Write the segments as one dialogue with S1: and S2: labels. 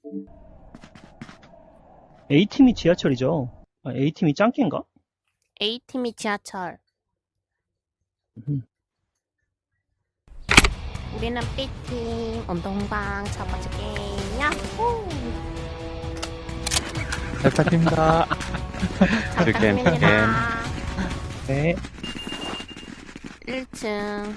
S1: A팀이 지하철이죠. 아, A팀이 짱깨인가?
S2: A팀이 지하철.
S1: 음.
S2: 우리는 B팀 운동방 첫 번째 게임 야호!
S3: 잘 부탁드립니다.
S2: 잘
S4: 즐겜,
S2: 부탁드립니다.
S1: 네.
S2: 1층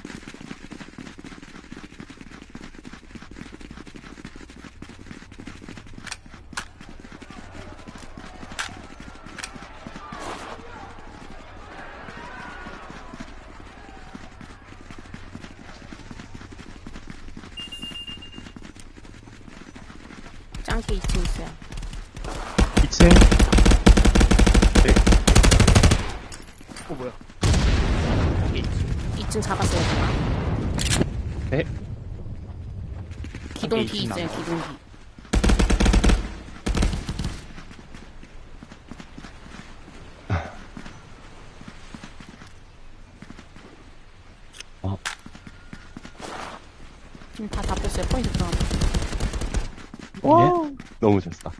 S2: 짱깨 2층 있어요.
S1: 2층.
S3: 뭐야?
S2: 2층 잡았어요, 제가.
S1: 네.
S2: 기동
S3: 짱깨
S2: 뒤
S3: 2층
S2: 있어요,
S3: 남아.
S2: 기동 뒤. 지금 다 잡혔어요, 포인트 들어가면.
S1: 와.
S4: 너무 좋다.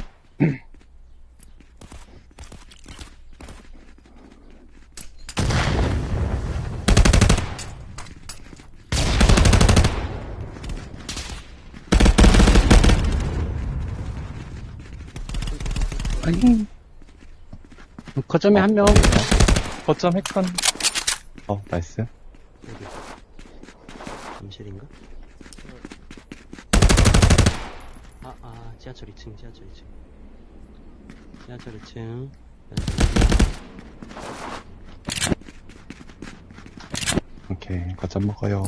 S5: 아니. 거점에 한 명.
S1: 거점 핵컨.
S4: 나이스.
S6: 잠실인가? 지하철 2층, 지하철 2층. 지하철 2층.
S4: 오케이, 거점 먹어요.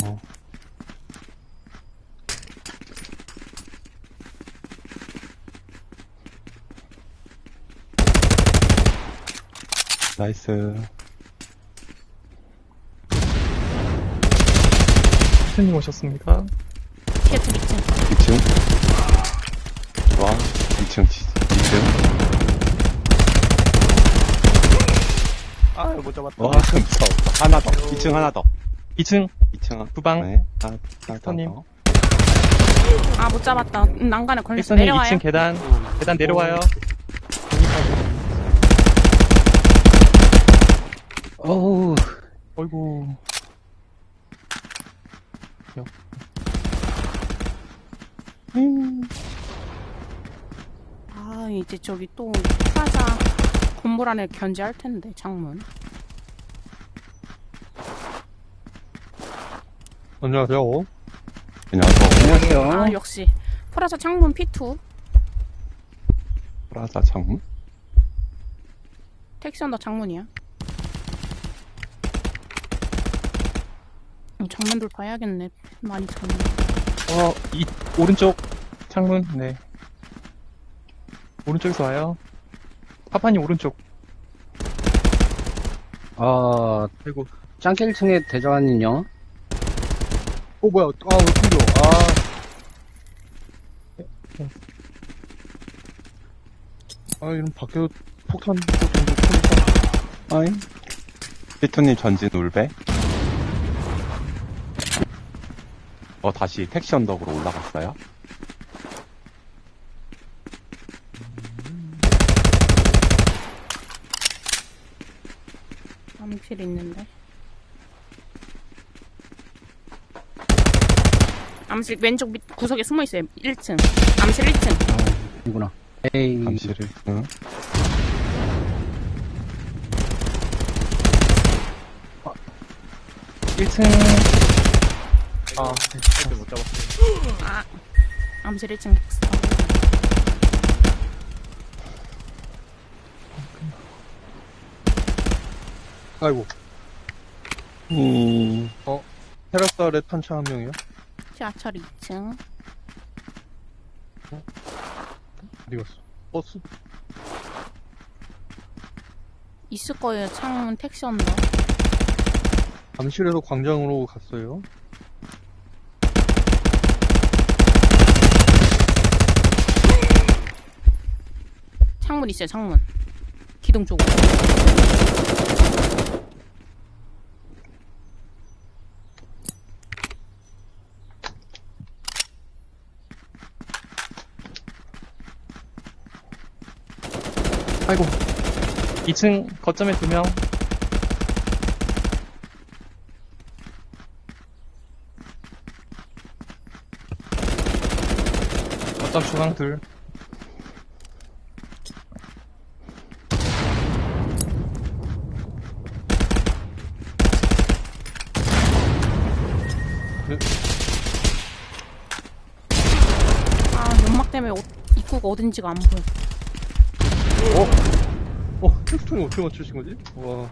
S4: 나이스.
S3: 스님 오셨습니다.
S2: 티어트 2층.
S4: 2층. 좋아. 2층, 2층.
S3: 아, 못 잡았다.
S4: 와, 무서웠다. 하나 더. 2층 하나 더.
S1: 2층.
S4: 2층.
S1: 후방.
S4: 네. 하나
S1: 엑스터님.
S4: 더.
S2: 아, 못 잡았다. 난간에 걸렸어.
S1: 엑스터님
S2: 내려와요.
S1: 2층 계단. 계단 내려와요.
S5: 어우.
S3: 어이구.
S2: 아, 이제 저기 또 프라자 건물 안에 견제할 텐데, 창문.
S3: 안녕하세요.
S4: 안녕하세요.
S5: 안녕하세요.
S2: 아, 역시. 프라자 창문 P2.
S4: 프라자 창문?
S2: 택시 언더 창문이야. 정면 돌파해야겠네. 많이 졌네.
S1: 오른쪽 창문. 네. 오른쪽에서 와요. 파파님 오른쪽.
S3: 아이고.
S5: 짱깨 1층에 대장님요.
S3: 뭐야. 왜 튕겨. 이런 밖에서 폭탄 던져.
S4: 아잉. 피투님 전진 울배. 다시 택시 언덕으로 올라갔어요.
S2: 암실 있는데. 암실 왼쪽 밑 구석에 숨어 있어요. 1층. 암실 1층.
S5: 이구나. 에이.
S4: 잠시를. 응.
S1: 1층.
S3: 못 잡았어.
S2: 아, 암실 1층.
S3: 아이고. 테라스 아래 탄차 한 명이요?
S2: 지하철 2층.
S3: 어디 갔어? 버스?
S2: 있을 거예요. 창문 택시 언더.
S3: 잠실에서 광장으로 갔어요.
S2: 창문 있어요. 창문. 기둥 쪽으로.
S1: 아이고. 2층 거점에 2명. 거점 중앙 둘.
S2: 아, 연막 때문에 입구가 어딘지가 안 보여.
S3: 텍스톤이 어떻게 맞추신 거지? 와.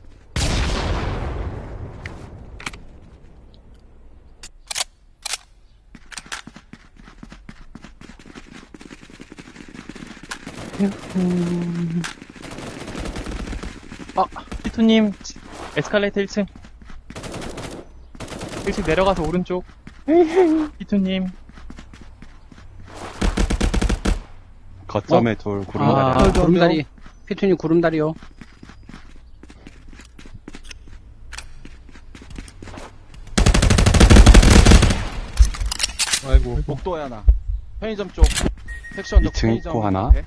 S1: 피투님, 에스컬레이터 1층. 1층 내려가서 오른쪽. 피투님.
S4: 거점에 둘 구름다리.
S5: 아,
S3: 하나.
S5: 구름다리. 피투님 구름다리요.
S3: 아이고.
S6: 복도에 하나. 편의점 쪽. 택시 언덕
S4: 2층
S6: 편의점
S4: 입구 하나.
S6: 앞에.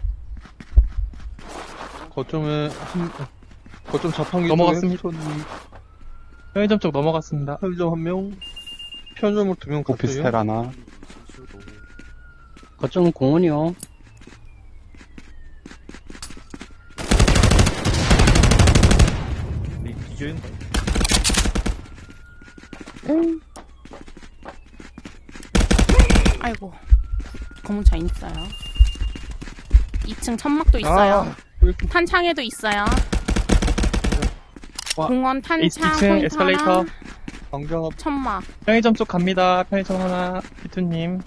S3: 거점 자판기
S1: 넘어갔습니다.
S3: 쪽에 텍스톤이
S1: 편의점 쪽 넘어갔습니다.
S3: 편의점 1명, 편의점으로 2명
S4: 오피스텔
S3: 갔어요.
S4: 하나.
S5: 거점 공원이요.
S2: 아이고. 검은차 있어요. 2층 천막도 있어요. 탄창에도 있어요.
S1: 와.
S2: 공원 탄창
S1: 2층
S2: 포인트
S1: 에스컬레이터.
S2: 하나,
S3: 광장 앞,
S2: 천막.
S1: 편의점 쪽 갑니다. 편의점 하나. 피투님.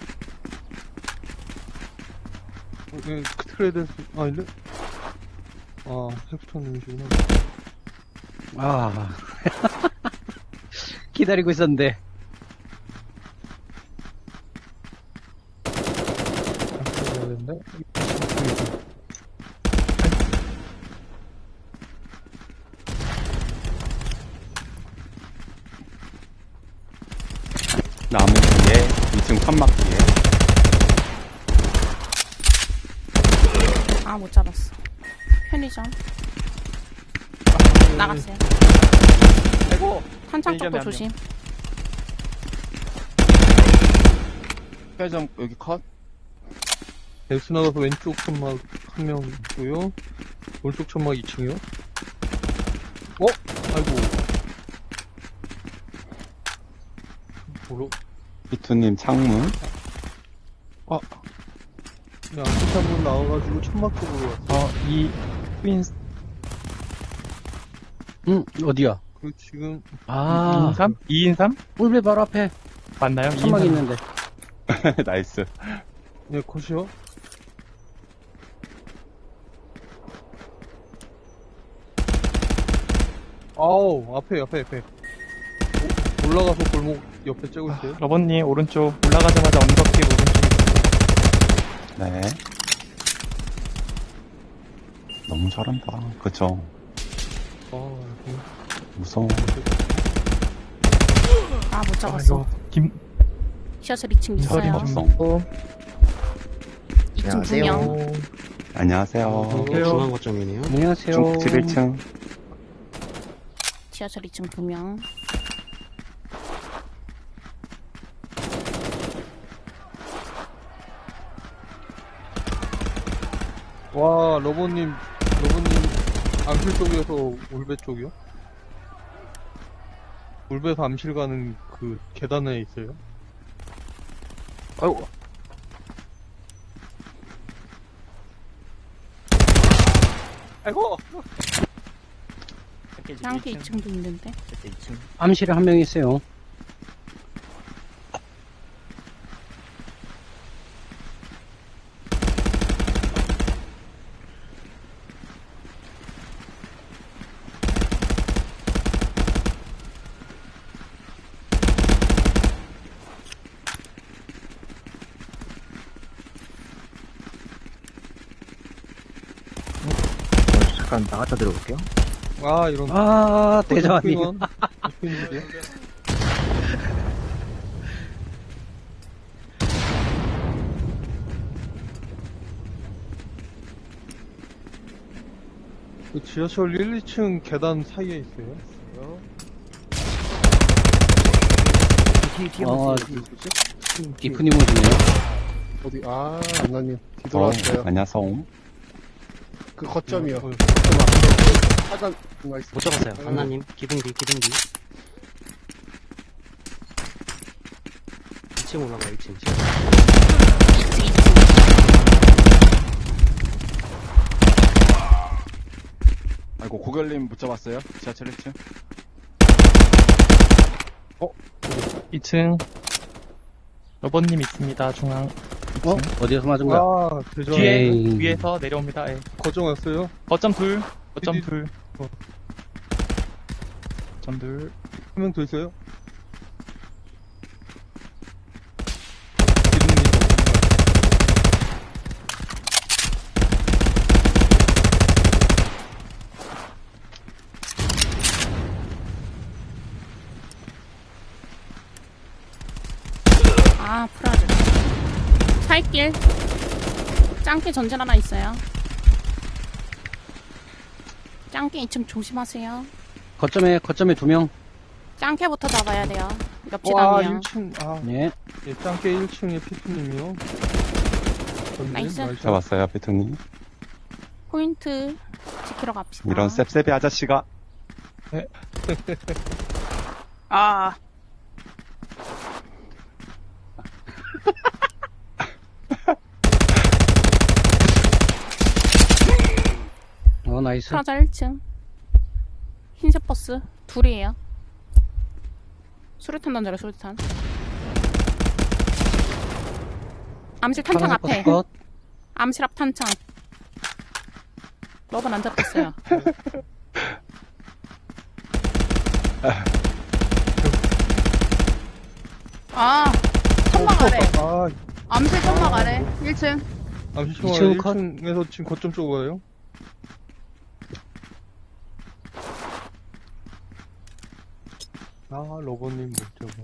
S3: 트레이드에서, 아닌데? 아, 텍스톤님이시구나.
S5: 아. 기다리고 있었는데.
S3: 되는데?
S4: 나무 뒤에 2층 천막 뒤에.
S2: 아, 못 잡았어. 편의점. 나갔어요.
S6: 아이고.
S2: 탄창
S6: 편의점에
S2: 쪽도
S6: 한
S2: 조심.
S6: 편의점 여기 컷.
S3: 엑스 나가서 왼쪽 천막 1명 있고요. 오른쪽 천막 2층이요. 아이고. 뭐로?
S4: 피투님 창문.
S3: 그냥 앞에 창문 나와가지고 천막 쪽으로 왔어.
S1: 이 트윈스
S5: 어디야?
S3: 그리고 지금,
S5: 아,
S1: 2인 3? 2인 3?
S5: 꿀배 바로 앞에
S1: 맞나요? 2인
S5: 천막
S1: 3.
S5: 있는데.
S4: 나이스.
S3: 예, 컷이요. 아우, 앞에. 올라가서 골목 옆에 째고 있어요.
S1: 러버님 오른쪽 올라가자마자 언덕길 오른쪽.
S4: 네. 너무 잘한다. 그쵸?
S3: 아,
S4: 무서워.
S2: 아, 못 잡았어.
S1: 김
S2: 시야철 2층
S1: 서리
S2: 있어요.
S1: 좀.
S2: 2층 2명.
S4: 안녕하세요.
S6: 중앙 거점이네요.
S5: 안녕하세요.
S4: 중국집 1층.
S2: 지하철 2층 2명.
S3: 와, 러버님, 암실 쪽에서 울배 쪽이요? 울배에서 암실 가는 그 계단에 있어요. 아이고. 아이고!
S2: 짱게 2층도 있는데.
S5: 암실에 한 명 있어요.
S7: 잠깐 나갔다 들어볼게요.
S3: 아, 이런.
S5: 아, 대장님.
S3: 대장님. 그 지하철 1, 2층 계단 사이에 있어요.
S7: 뒤에
S5: 어,
S7: 보세요.
S5: 디프님 오시네요.
S8: 어디, 안나님. 뒤돌아왔어요.
S4: 안녕하세요.
S8: 그 거점이요.
S3: 어,
S8: 사장, 누가 있어.
S6: 못 잡았어요. 안나님, 기둥 뒤. 2층 올라가요, 2층.
S9: 아이고 고결님 못 잡았어요. 지하철 1층.
S1: 2층. 로버님 있습니다, 중앙.
S5: 어디에서 맞은 거야?
S3: 아, 대전.
S1: 뒤에,
S5: 에이.
S1: 위에서 내려옵니다. 예.
S3: 거정 왔어요?
S1: 거점 둘. 거점
S3: 어디-
S1: 둘.
S3: 어.
S1: 거점 둘.
S3: 한 명 더 있어요?
S2: 아, 프라즈. 살길. 짱깨 전진 하나 있어요. 짱깨 2층 조심하세요.
S5: 거점에 2명.
S2: 짱깨부터 잡아야 돼요.
S3: 와,
S2: 옆지단이요.
S3: 1층. 아,
S5: 네.
S3: 예, 짱깨 1층에 피프님이요.
S2: 나이스.
S4: 잡았어요, 피트님.
S2: 포인트 지키러 갑시다.
S4: 이런 셉셉이 아저씨가.
S2: 아.
S5: 나이스.
S2: 프라자 1층. 흰색 버스 둘이에요. 수류탄 던져라, 수류탄. 암실 탄창
S5: 파란색
S2: 앞에.
S5: 버스 컷.
S2: 암실 앞 탄창. 러번 안 잡혔어요. 아, 천막 아래.
S3: 아,
S2: 암실 천막 아래. 1층.
S3: 잠시만요.
S5: 2층 컷.
S3: 1층에서 지금 거점 쪽으로 가요? 아, 로버님 못 잡아.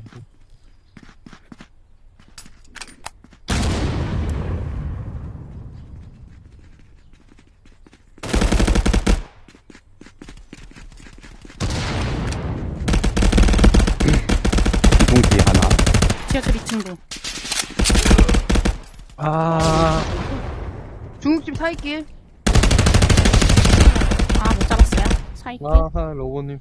S4: 기둥 뒤 하나.
S2: 지하철 2층도.
S10: 중국집 사이길.
S2: 아, 못 잡았어요. 사이길.
S3: 아하, 로버님.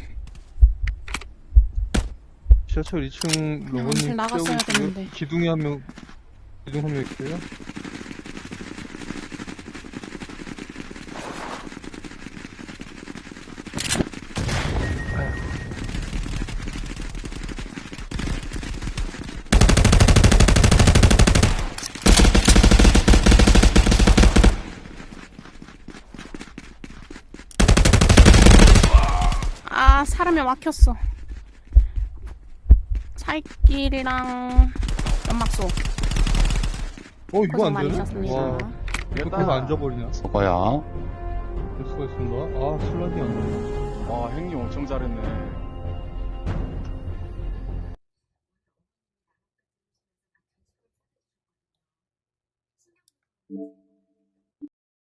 S3: 지하철 2층
S2: 암실
S3: 로버님
S2: 나갔어야
S3: 떼고
S2: 됐는데.
S3: 있고요. 기둥에 한 명, 기둥 한 명 있어요.
S2: 아, 사람이 막혔어. 살길이랑 연막소.
S3: 이거
S2: 고생
S3: 안
S2: 많이
S3: 되네?
S2: 하셨습니다.
S3: 와, 이렇게 해서 앉아버리냐?
S4: 저거야.
S3: 될 수가 있습니다. 아, 슬라이 안 되네.
S9: 와 형님 엄청 잘했네.